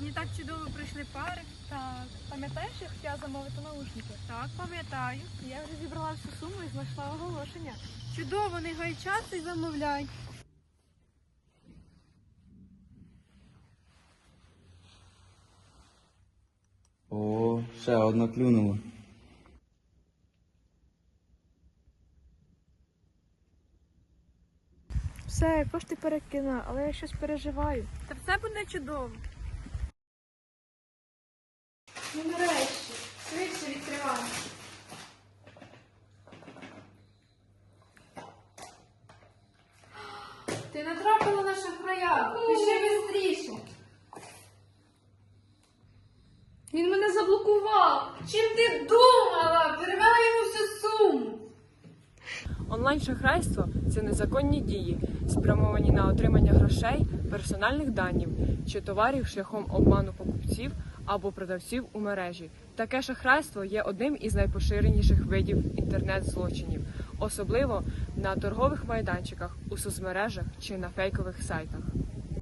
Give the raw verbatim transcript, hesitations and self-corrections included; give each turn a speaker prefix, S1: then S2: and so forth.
S1: Сьогодні так чудово прийшли пари.
S2: Так, пам'ятаєш, я хотіла замовити наушники?
S1: Так, пам'ятаю.
S2: Я вже зібрала всю суму і знайшла оголошення.
S1: Чудово, не гай час і замовляй.
S3: О, ще одна клюнула.
S2: Все, кошти перекину, але я щось переживаю.
S1: Та все буде чудово.
S2: Ну нарешті, швидше відкривай.
S1: Ти натрапила на шахрая. Пиши швидше.
S2: Він мене заблокував.
S1: Чим ти думала? Перевела йому всю суму.
S4: Онлайн-шахрайство – це незаконні дії, спрямовані на отримання грошей, персональних даних чи товарів шляхом обману покупців або продавців у мережі. Таке шахрайство є одним із найпоширеніших видів інтернет-злочинів, особливо на торгових майданчиках, у соцмережах чи на фейкових сайтах.